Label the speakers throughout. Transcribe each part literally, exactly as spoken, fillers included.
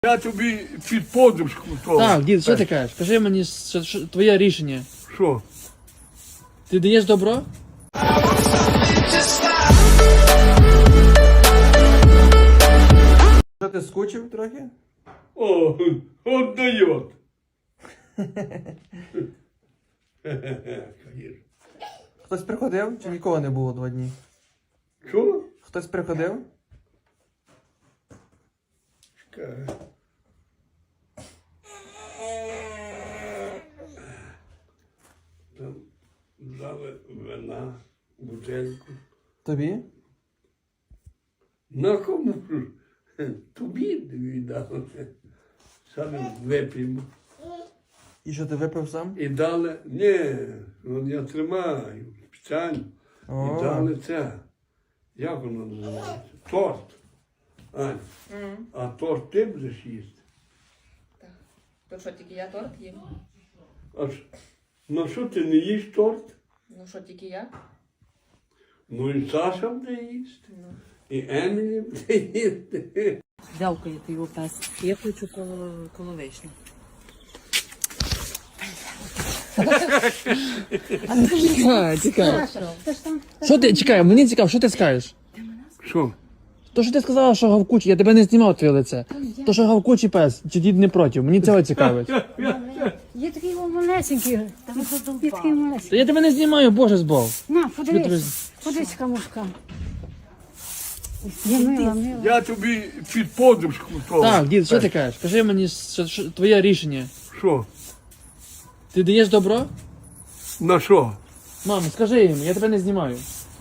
Speaker 1: Я тобі під подушку то.
Speaker 2: Так, дід, що ти кажеш? Кажи мені що, що, твоє рішення.
Speaker 1: Що?
Speaker 2: Ти даєш добро?
Speaker 3: Що ти скучив трохи?
Speaker 1: О, от дает.
Speaker 3: Хтось приходив чи нікого не було два дні?
Speaker 1: Що?
Speaker 3: Хтось приходив?
Speaker 1: Чекай. Там дали вина, бутельку.
Speaker 3: Тобі?
Speaker 1: На кому ж? Тобі віддали. Саме вип'ємо.
Speaker 3: І що ти випив сам?
Speaker 1: І дали, ні, от я тримаю спеціально.
Speaker 3: О.
Speaker 1: І дали це. Як воно називається? Торт. Ань, а торт ти будеш їсти?
Speaker 4: То що, тільки я торт їм?
Speaker 1: А ж, ну що ти не їш торт?
Speaker 4: Ну що, тільки я?
Speaker 1: Ну і Саша буде їсти. І Емілі буде їсти.
Speaker 4: Дякую ти його пес. Я хочу коло, коло вишні.
Speaker 2: Чекай, чекай. Що ти, чекай, мені цікаво, що ти скажеш?
Speaker 1: Що?
Speaker 2: То, що ти сказала, що гавкучий, я тебе не знімав твоє лице. То, що гавкучий пес, чи дід не проти, мені цього цікавить.
Speaker 5: Є такий малесенький, є такий малесенький.
Speaker 2: Та я тебе не знімаю, боже збов.
Speaker 5: На,
Speaker 2: Тобі
Speaker 5: подивись, подивись, камушка. Я мила, мила.
Speaker 1: Я тобі під подушку то.
Speaker 2: Так, дід, що ти кажеш? Кажи мені що, що, твоє рішення.
Speaker 1: Що?
Speaker 2: Ти даєш добро?
Speaker 1: На що?
Speaker 2: Мамо, скажи їм, я тебе не знімаю.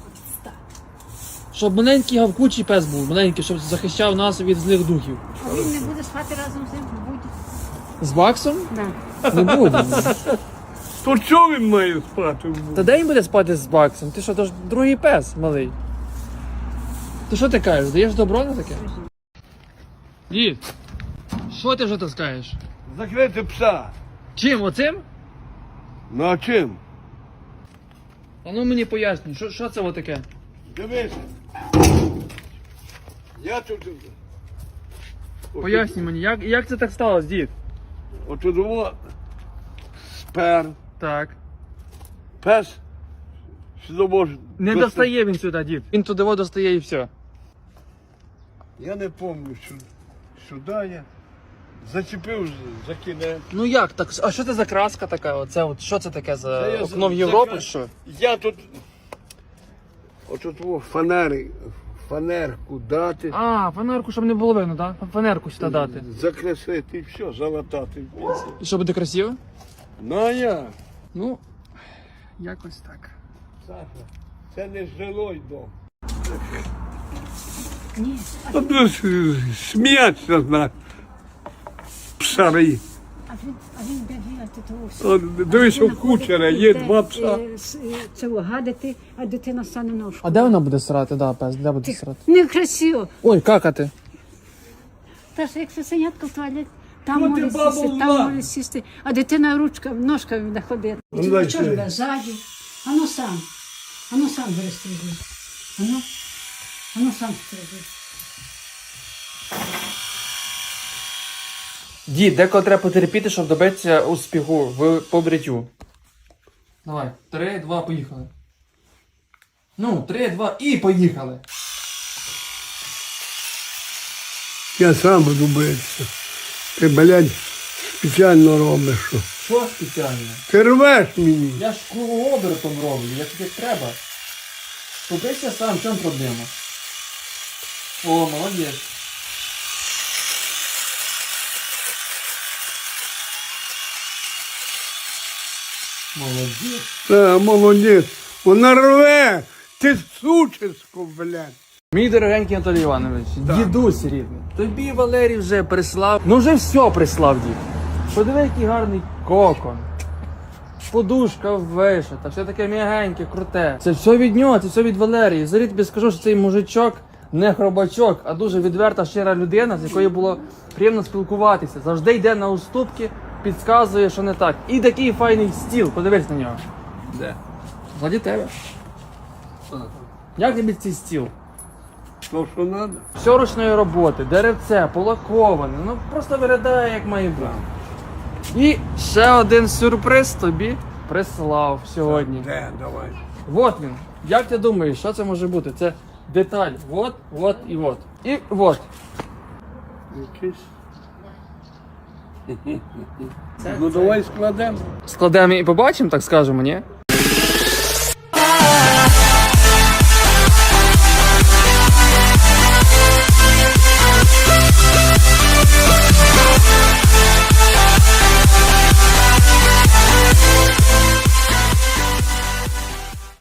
Speaker 2: Щоб маленький гавкучий пес був, маленький, щоб захищав нас від злих духів.
Speaker 5: А він не буде спати разом з ним? Буде.
Speaker 2: З Баксом?
Speaker 5: Да.
Speaker 2: Не буде.
Speaker 1: То чого він має спати?
Speaker 2: Та де він буде спати з Баксом? Ти що, то ж другий пес малий. То що ти кажеш, даєш добро на таке? Дід, що ти вже таскаєш?
Speaker 1: Закрити пса.
Speaker 2: Чим, оцим?
Speaker 1: Ну а чим?
Speaker 2: А ну мені пояснюй, що, що це таке?
Speaker 1: Дивися. Я тут.
Speaker 2: Пояснюй мені, як, як це так сталося, дід?
Speaker 1: Отут о спер.
Speaker 2: Так.
Speaker 1: Пес. Сюди може.
Speaker 2: Не
Speaker 1: достати.
Speaker 2: достає він сюди, дід. Він туди во достає і все.
Speaker 1: Я не пам'ятаю, що сюди я зачепив з- за кінець.
Speaker 2: Ну як так? А що це за краска така? Оце от що це таке за
Speaker 1: Це я
Speaker 2: окно в
Speaker 1: за-
Speaker 2: Європу?
Speaker 1: закра-
Speaker 2: Що?
Speaker 1: Я тут. Отут о фанери, фанерку дати.
Speaker 2: А, фанерку, щоб не було видно, так? Фанерку сюди дати.
Speaker 1: Закрасити і все, залатати.
Speaker 2: І що буде красиво?
Speaker 1: Ну а я.
Speaker 2: Ну, якось так.
Speaker 1: Саша, це не жилой дом.
Speaker 5: Ні.
Speaker 1: Сміятися на псари.
Speaker 5: А він, а він бігає, ти того все.
Speaker 1: От, дивись, у кучера є два пса.
Speaker 5: Це гадити, а дитина стане ножку.
Speaker 2: А де вона буде срати, да, пес? Де буде срати?
Speaker 5: Некрасиво.
Speaker 2: Ой, какати.
Speaker 5: Та ж як сусенятка в туалет, там
Speaker 1: Ну, ти
Speaker 5: може
Speaker 1: баба
Speaker 5: сісти,
Speaker 1: була.
Speaker 5: там може сісти, а дитина ручка, ножка не ходить.
Speaker 1: Ну, дай
Speaker 5: Чого ж
Speaker 1: сюди.
Speaker 5: ви ззаді? Ану сам. Ану сам бери стрижи. Ану. Ану сам стрижи.
Speaker 2: Дід, деколи треба потерпіти, щоб добитися успіху в побриттю. Давай, три, два, поїхали. Ну, три, два і поїхали.
Speaker 1: Я сам буду битися. Ти, блядь, спеціально робиш. Що?
Speaker 2: Що спеціально?
Speaker 1: Ти рвеш мені.
Speaker 2: Я ж кругообертом роблю, як тобі треба. Побийся сам, в чому проблема? О, молодець. Молодець.
Speaker 1: Та, молодець. Вона рве. Ти сучисько, блядь.
Speaker 2: Мій дорогенький Анатолій Іванович, дідусь рідний, тобі Валерій вже прислав. Ну вже все прислав, дід. Подиви, який гарний кокон. Подушка вишита, все таке м'ягеньке, круте. Це все від нього, це все від Валерії. Зарі тобі скажу, що цей мужичок не хробачок, а дуже відверта, щира людина, з якою було приємно спілкуватися. Завжди йде на уступки, підказує, що не так. І такий файний стіл, подивись на нього.
Speaker 1: Де?
Speaker 2: Ззаді тебе. Як тобі цей стіл?
Speaker 1: То, що треба.
Speaker 2: Все ручної роботи, деревце, полаковане, ну просто виглядає як має бути. І ще один сюрприз тобі прислав сьогодні.
Speaker 1: Де, давай.
Speaker 2: Вот він. Як ти думаєш, що це може бути? Це деталь. Вот, вот і вот. І вот.
Speaker 1: Якийсь. Ну давай складемо.
Speaker 2: Складемо і побачимо, так скажемо, ні?